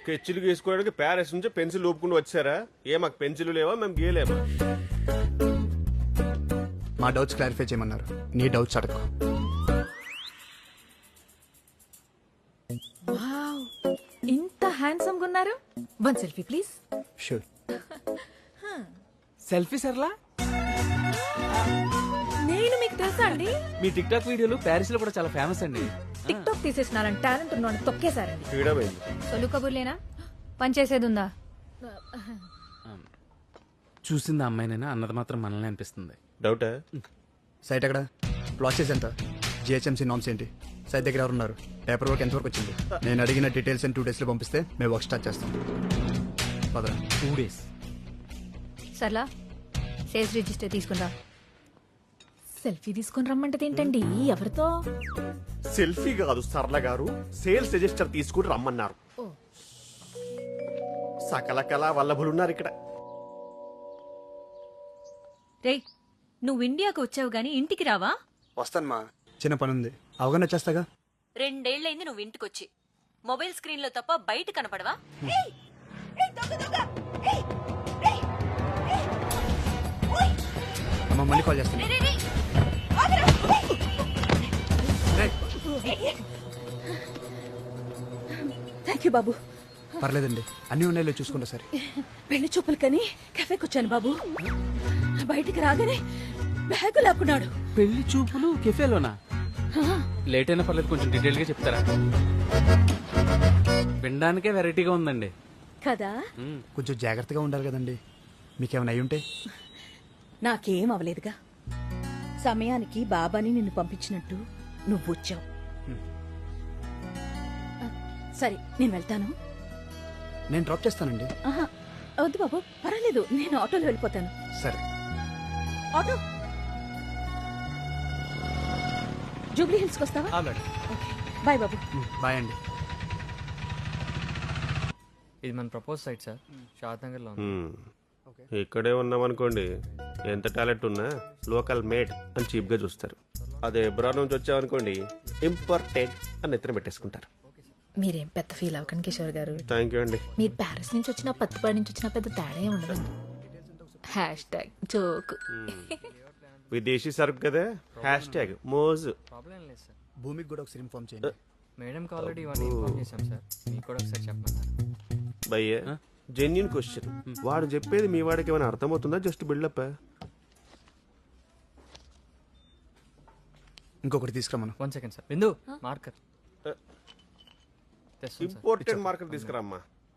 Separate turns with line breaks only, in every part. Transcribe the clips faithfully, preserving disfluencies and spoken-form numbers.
స్కెచ్లు గీసుకోవడానికి Paris నుంచి pencil ఊపుకుంటూ వచ్చారా? ఏ మాకు పెన్సిల్ లేవా, మేము గీయలేమా?
మా డౌట్స్ క్లారిఫై చేయమన్నారు, నీ డౌట్స్ అడగ.
వావ్, ఇంత హ్యాండ్సమ్ గా ఉన్నారు. One selfie please.
Sure.
Selfie సర్లా?
నేను మీకు తెలుసా అండి?
మీ టిక్ టాక్ వీడియోలు ప్యారిస్ లో కూడా చాలా ఫేమస్ అండి.
టిక్ టాక్ తీసేసినారని టాలెంట్ ఉన్నాను తొక్కేశారండి.
ఫ్రీడమ్ అయింది.
సొలు కబుర్లేనా, పని చేసేది ఉందా?
చూసింది అమ్మాయినైనా అన్నది మాత్రం మనల్ని అనిపిస్తుంది.
డౌటా?
సైట్ ఎక్కడ? ప్రాసెస్ ఎంత? జిహెచ్ఎంసీ నామ్స్ ఏంటి? సైట్ దగ్గర ఎవరు ఉన్నారు? పేపర్ వర్క్ ఎంతవరకు వచ్చింది? నేను అడిగిన డీటెయిల్స్ టూ డేస్ లో పంపిస్తే మేము వర్క్ స్టార్ట్ చేస్తాం. పదరా.
టూ డేస్
సర్లా, సేల్స్ రిజిస్టర్ తీసుకురా. సెల్ఫీ తీసుకుని రమ్మంటే ఏంటండి? ఎవరితో?
సెల్ఫీ కాదు సరళ గారు, సేల్స్ రిజిస్టర్ తీసుకుని రమ్మన్నారు.
ఓ.
సకల కళా వల్లభులున్నారు ఇక్కడ.
రే, నువ్వు ఇండియాకు వచ్చావు గాని ఇంటికి రావా?
వస్తాను మా, చిన్న పని ఉంది, అవగానే వచ్చేస్తాగా.
రెండేళ్లైంది నువ్వు ఇంటికొచ్చి. మొబైల్ స్క్రీన్ లో తప్ప బయట కనపడవా?
అమ్మ మళ్ళీ కాల్ చేస్తాను.
థ్యాంక్ యూ బాబు.
పర్లేదండి, అన్ని ఉన్నాయో చూసుకుంటా సరే.
పెళ్లి చూపులు కని కెఫేకి వచ్చాను బాబు. బయటికి రాగానే బ్యాగు లాక్కున్నాడు.
పెళ్లి చూపులు కెఫేలోనా? లేట్ అయినా పర్లేదు, కొంచెం డీటెయిల్ గా చెప్తారా? వినడానికే వెరైటీగా ఉందండి
కదా.
కొంచెం జాగ్రత్తగా ఉండాలి కదండి, మీకేమైనా అయ్యి ఉంటే.
నాకేం అవలేదుగా. సమయానికి బాబాని నిన్ను పంపించినట్టు నువ్వు వచ్చావు. సరే నేను వెళ్తాను.
నేను డ్రాప్ చేస్తానండి.
ఆహా, వద్దు బాబు, పర్వాలేదు, నేను ఆటోలో వెళ్ళిపోతాను.
సరే.
ఆటో జూబ్లీ హిల్స్ కి వస్తావా? బాయ్ బాబు.
బాయ్ అండి.
ఇది మన propose site sir, Shadnagar లో.
ఇక్కడే ఉన్నామనుకోండి, ఎంత టాలెంట్ ఉన్నా లోకల్ మేడ్ అని చీప్ గా చూస్తారు. అదే ఎబ్రాడ్ నుంచి వచ్చామనుకోండి, ఇంపార్టెంట్ అని ఎత్తున పెట్టేసుకుంటారు.
మీరేం పెద్ద ఫీల్ అవ్వకండి కిషోర్ గారు.
థ్యాంక్ యూ అండి.
మీరు ప్యారిస్ నుంచి వచ్చిన పత్తిపాడి నుంచి వచ్చిన పెద్ద తేడా ఏమి ఉండదు. Hashtag joke.
విదేశీ సరుకు కదా, హ్యాష్ ట్యాగ్ మోజు.
ప్రాబ్లం లేదు సార్.
భూమికి కూడా ఒకసారి ఇన్ఫార్మ్ చేయండి.
మేడంకి ఆల్రెడీ ఇవన్నీ ఇన్ఫార్మ్ చేశాం సార్, మీకు కూడా ఒకసారి చెప్పమన్నారు.
భయ్య జెన్యున్ క్వశ్చన్, వాడు చెప్పేది మీ వాడికి ఏమైనా అర్థమవుతుందా, జస్ట్ బిల్డప్?
ఇంకొకటి తీసుకురామను.
One second sir. Bindu marker.
Important market తీసుకురామ్మా.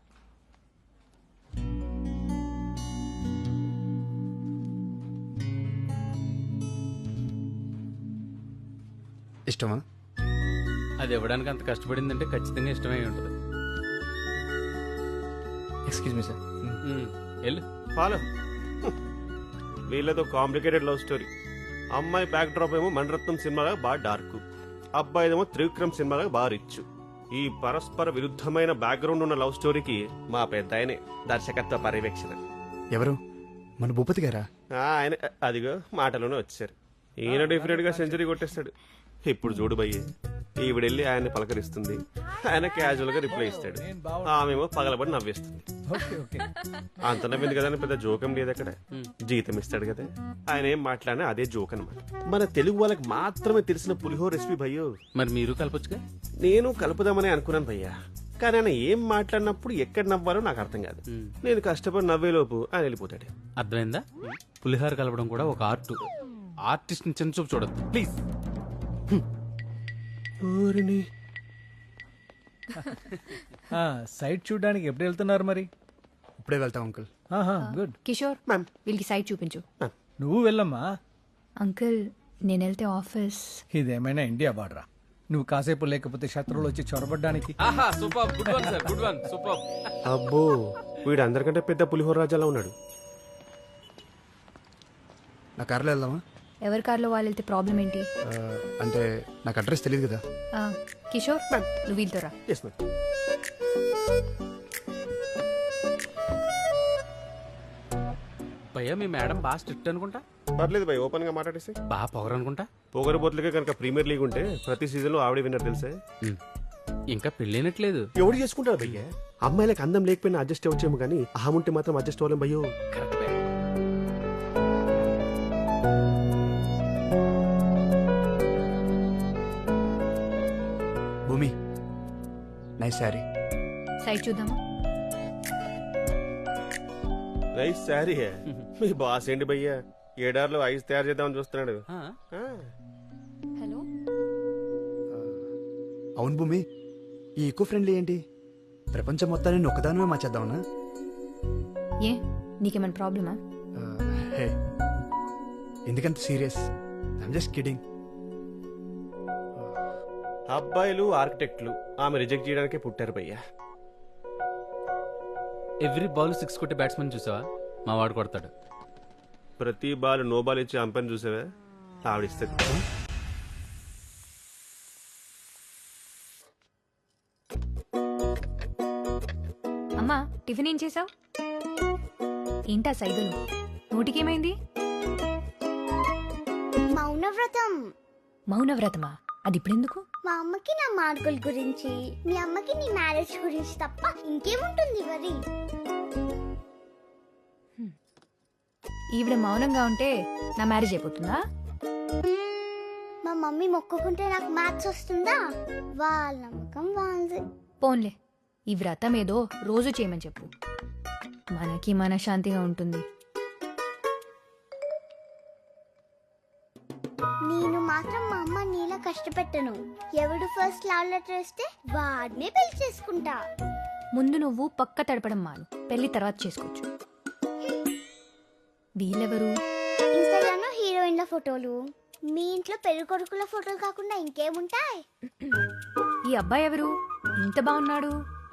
ఇష్టమా?
అది ఇవ్వడానికి అంత కష్టపడిందంటే ఖచ్చితంగా ఇష్టమై ఉంటుంది.
Excuse me sir.
వెళ్ళు.
ఫాలో. వీళ్ళతో కాంప్లికేటెడ్ లవ్ స్టోరీ. అమ్మాయి బ్యాక్ డ్రాప్ ఏమో మణరత్నం సినిమాగా బాగా డార్క్, అబ్బాయిదేమో త్రివిక్రమ్ సినిమాగా బాగా రిచ్. ఈ పరస్పర విరుద్ధమైన బ్యాక్గ్రౌండ్ ఉన్న లవ్ స్టోరీకి మా పెద్ద ఆయనే దర్శకత్వ పర్యవేక్షణ.
ఎవరు? మన భూపతి గారా?
ఆ, ఆయన అదిగో మాటలోనే వచ్చారు. ఈయన డెఫినెట్ గా సెంచరీ కొట్టేస్తాడు. ఇప్పుడు చూడు భయ్య, ఈవిడెళ్ళి ఆయన్ని పలకరిస్తుంది, ఆయన క్యాజువల్ గా రిప్లై ఇస్తాడు, ఆమెమో పగలబడి నవ్వేస్తుంది. అంత నవ్వింది కదా అని పెద్ద జోకం లేదు అక్కడ. జీతం ఇస్తాడు కదా, ఆయన ఏం మాట్లాడినా అదే జోక్ అనమాట. మన తెలుగు వాళ్ళకి మాత్రమే తెలిసిన పులిహోర రెసిపీ భయ్యో.
మరి మీరు కలపొచ్చుగా.
నేను కలుపుదామని అనుకున్నాను భయ్యా, కానీ ఆయన ఏం మాట్లాడినప్పుడు ఎక్కడ నవ్వాలో నాకు అర్థం కాదు. నేను కష్టపడి నవ్వేలోపు ఆయన వెళ్ళిపోతాడు.
అర్థమైందా? పులిహోర కలపడం కూడా ఒక ఆర్ట్. ఆర్టిస్ట్ ని చిన్న చూపు చూడద్దు ప్లీజ్.
సైట్ చూడడానికి ఎప్పుడు వెళ్తున్నారు మరి?
ఇప్పుడే వెళ్తాం అంకుల్.
గుడ్.
కిషోర్, వీళ్ళకి సైట్ చూపించు.
నువ్వు వెళ్ళమ్మా.
అంకుల్, నేను వెళ్తే ఆఫీస్.
ఇదేమైనా ఇండియా బార్డరా? నువ్వు కాసేపు లేకపోతే శత్రువులు వచ్చి చొరబడ్డానికి.
Super, good one sir, good one, super.
అబ్బో, వీడు అందరికంటే పెద్ద పులిహోర రాజాలా ఉన్నాడు.
నా కార్లో వెళ్దామా?
ఎవరి కార్లో వాళ్ళు వెళ్తే ప్రాబ్లం ఏంటి?
ఆ, అంటే నాకు అడ్రస్ తెలియదు కదా.
ఆ, కిషోర్, నువ్వు వీళ్ళతో రా.
Yes ma'am.
భయ్యా మీ మేడం బాగా స్ట్రిక్ట్ అనుకుంటా.
పర్లేదు భయ్, ఓపెన్ గా మాట్లాడేసి.
బాగా పొగరు అనుకుంటా.
పొగరబోతులకే కనుక ప్రీమియర్ లీగ్ ఉంటే ప్రతి సీజన్ లో ఆవిడే విన్నర్ తెలుసా?
ఇంకా పెళ్ళైనట్లేదు.
ఎవడు చేసుకుంటారు భయ్య? అమ్మాయిలకు అందం లేకపోయినా అడ్జస్ట్ అవ్వచ్చేమో కానీ అహం ఉంటే మాత్రం అడ్జస్ట్ అవ్వలేం భయ్యో.
Bhoomi nice saree.
సైడ్ చూద్దామా?
రైస్ సారీ మీ బాస్ ఏంటి భయ్య ఏడార్లో ఐస్ తయారు చేద్దామని చూస్తున్నాడు.
ఆ,
ఆ,
హలో.
అవును భూమి, ఈ ఈకో ఫ్రెండ్లీ ఏంటి? ప్రపంచం మొత్తాన్ని ఒక్కదానమే మార్చేద్దామనా?
ఏ నీకేమైనా ప్రాబ్లమా?
ఆ, హే ఎందుకంత సీరియస్? I'm just kidding.
అబ్బాయిలు ఆర్కిటెక్ట్లు ఆమె రిజెక్ట్ చేయడానికే పుట్టారు భయ్య.
ఎవ్రీ బాల్ సిక్స్ కొట్టే బ్యాట్స్మెన్ చూసావా? మా వాడు కొడతాడు.
ప్రతి బాల్ నో బాల్ ఇచ్చి అంపని చూసావా? ఆవిడిస్తుంది.
అమ్మా టిఫిన్ ఏం చేసావు? ఏంటా సైగలు? నోటికేమైంది?
మౌనవ్రతం.
మౌనవ్రతమా? అది ఇప్పుడెందుకు?
మా అమ్మకి నా మార్కుల గురించి, మీ అమ్మకి నీ మ్యారేజ్ గురించి తప్ప ఇంకేముంటుంది మరి?
ఈవిడ మౌనంగా ఉంటే నా మ్యారేజ్ అయిపోతుందా?
మా మమ్మీ మొక్కుకుంటే నాకు మ్యాథ్స్ వస్తుందా? వాళ్ళ నమ్మకం వాళ్ళది.
పోన్లే, ఈ వ్రతం ఏదో రోజు చేయమని చెప్పు, మనకి మనశ్శాంతిగా ఉంటుంది.
నేను మాత్రం మా అమ్మ నీలా కష్టపెట్టను. ఎవడు ఫస్ట్ లవ్ లెటర్ ఇస్తే వాడినే పెళ్లి చేసుకుంటా.
ముందు నువ్వు పక్క తడపడం మాను, పెళ్లి తర్వాత చేసుకోవచ్చు. వీళ్ళెవరు?
ఇన్స్టాగ్రామ్ లో హీరోయిన్ల ఫోటోలు, మీ ఇంట్లో పెళ్లి కొడుకుల ఫోటోలు కాకుండా ఇంకేముంటాయి?
ఈ అబ్బాయి ఎవరు? ఇంత బాగున్నాడు.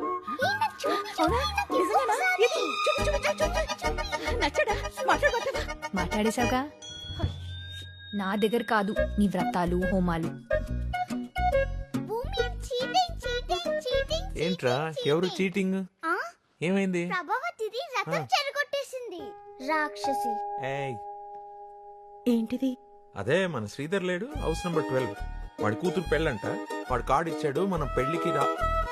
మాట్లాడేశావుగా, నా దగ్గర కాదు నీ వ్రతాలు హోమాలు.
ఏంట్రా ఎవరు చీటింగ్? ఏమైంది?
ప్రభావతిది రథం చెరగొట్టేసింది రాక్షసి.
ఏయ్
ఏంటిది?
అదే మన శ్రీధర్ లేడు, హౌస్ నెంబర్ ట్వెల్వ్. వాడి కూతురు పెళ్ళంట, వాడు కార్డు ఇచ్చాడు, మనం పెళ్లికి రా.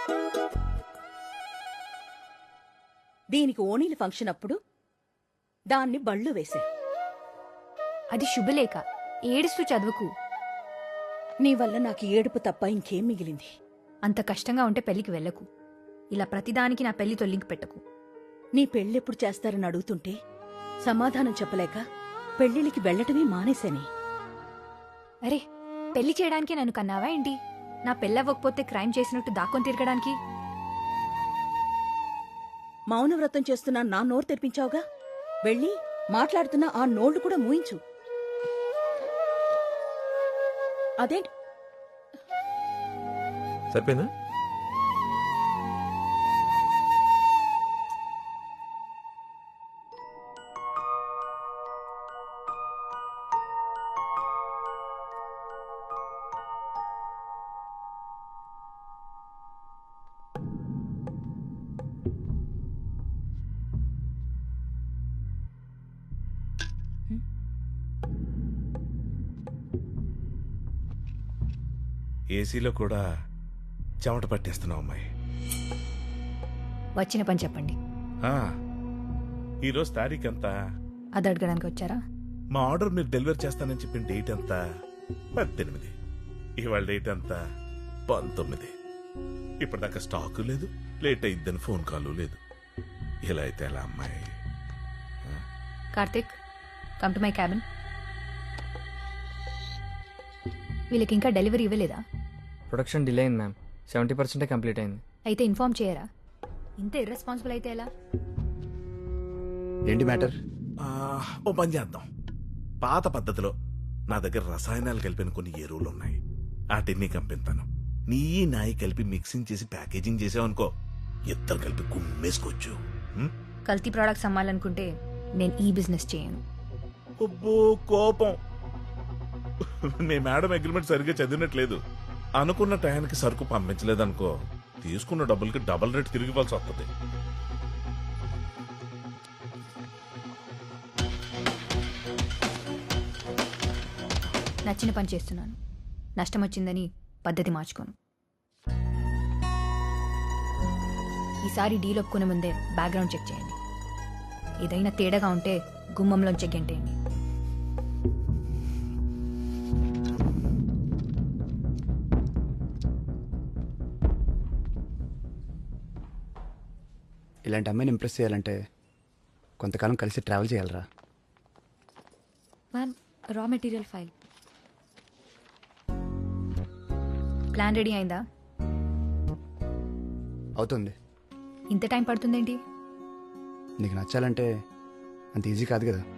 దీనికి ఓణీల ఫంక్షన్ అప్పుడు దాన్ని బళ్ళు వేశారు.
అది శుభలేఖ, ఏడుస్తూ చదువుకు.
నీ వల్ల నాకు ఏడుపు తప్ప ఇంకేం మిగిలింది?
అంత కష్టంగా ఉంటే పెళ్లికి వెళ్ళకు. ఇలా ప్రతిదానికి నా పెళ్లి తొల్లింకి పెట్టకు.
నీ పెళ్ళెప్పుడు చేస్తారని అడుగుతుంటే సమాధానం చెప్పలేక పెళ్లిళ్ళకి వెళ్ళటమే మానేశాని.
అరే, పెళ్లి చేయడానికి నన్ను కన్నావా ఏంటి? నా పెళ్ళవ్వకపోతే క్రైమ్ చేసినట్టు దాక్కొని తిరగడానికి?
మౌనవ్రతం చేస్తున్నా నా నోరు తెరిపించావుగా, వెళ్ళి మాట్లాడుతున్నా ఆ నోళ్లు కూడా మూయించు. అదేంటి?
సరిపోయిందా? ఏసీలో కూడా చెమట పట్టేస్తున్నావు అమ్మాయి.
వచ్చిన పని చెప్పండి.
ఈరోజు తారీఖు ఎంత?
అది అడగడానికి వచ్చారా?
మా ఆర్డర్ మీరు డెలివరీ చేస్తానని చెప్పిన డేట్ ఎంత? పద్దెనిమిది. ఇవాళ డేట్ ఎంత? పంతొమ్మిది. ఇప్పటిదాకా స్టాకు లేదు, లేట్ అయిద్దని ఫోన్ కాల్ లేదు. ఇలా అయితే ఎలా అమ్మాయి?
Karthik, come to my cabin. వీళ్ళకి ఇంకా డెలివరీ ఇవ్వలేదా?
ప్రొడక్షన్ డిలే అయింది మ్యామ్, సెవెంటీ పర్సెంటే కంప్లీట్ అయింది.
అయితే ఇన్ఫార్మ్ చేయరా? ఇంత ఇర్రెస్పాన్సిబుల్ అయితే ఎలా?
ఏంటి మ్యాటర్?
ఓ పని చేద్దాం. పాత పద్ధతిలో నా దగ్గర రసాయనాలు కలిపిన కొన్ని ఎరువులు ఉన్నాయి, వాటిని కంపిస్తాను. నీ నాయి కలిపి మిక్సింగ్ చేసి ప్యాకేజింగ్ చేసావనుకో, ఇద్దరు కలిపి గుమ్మేసుకోవచ్చు.
కల్తీ ప్రోడక్ట్స్ అమ్మాలనుకుంటే నేను ఈ బిజినెస్ చేయను.
అబ్బో కోపం. మీ మేడం అగ్రిమెంట్ సరిగ్గా చదివినట్లేదు. అనుకున్న టయానికి సరుకు పంపించలేదనుకో, తీసుకున్న డబ్బులకి డబుల్ రేట్ తిరిగి ఇవ్వాల్సి వస్తుంది.
నచ్చిన పని చేస్తున్నాను, నష్టం వచ్చిందని పద్ధతి మార్చుకోను. ఈసారి డీల్ ఒప్పుకునే ముందే బ్యాక్గ్రౌండ్ చెక్ చేయండి. ఏదైనా తేడాగా ఉంటే గుమ్మంలోంచి గెంటేయండి.
ఇలాంటి అమ్మాయిని ఇంప్రెస్ చేయాలంటే కొంతకాలం కలిసి ట్రావెల్ చేయాలరా.
Ma'am, raw material file. Plan ready అయిందా?
అవుతుంది.
ఇంత టైం పడుతుందేంటి?
నీకు నచ్చాలంటే అంత ఈజీ కాదు కదా.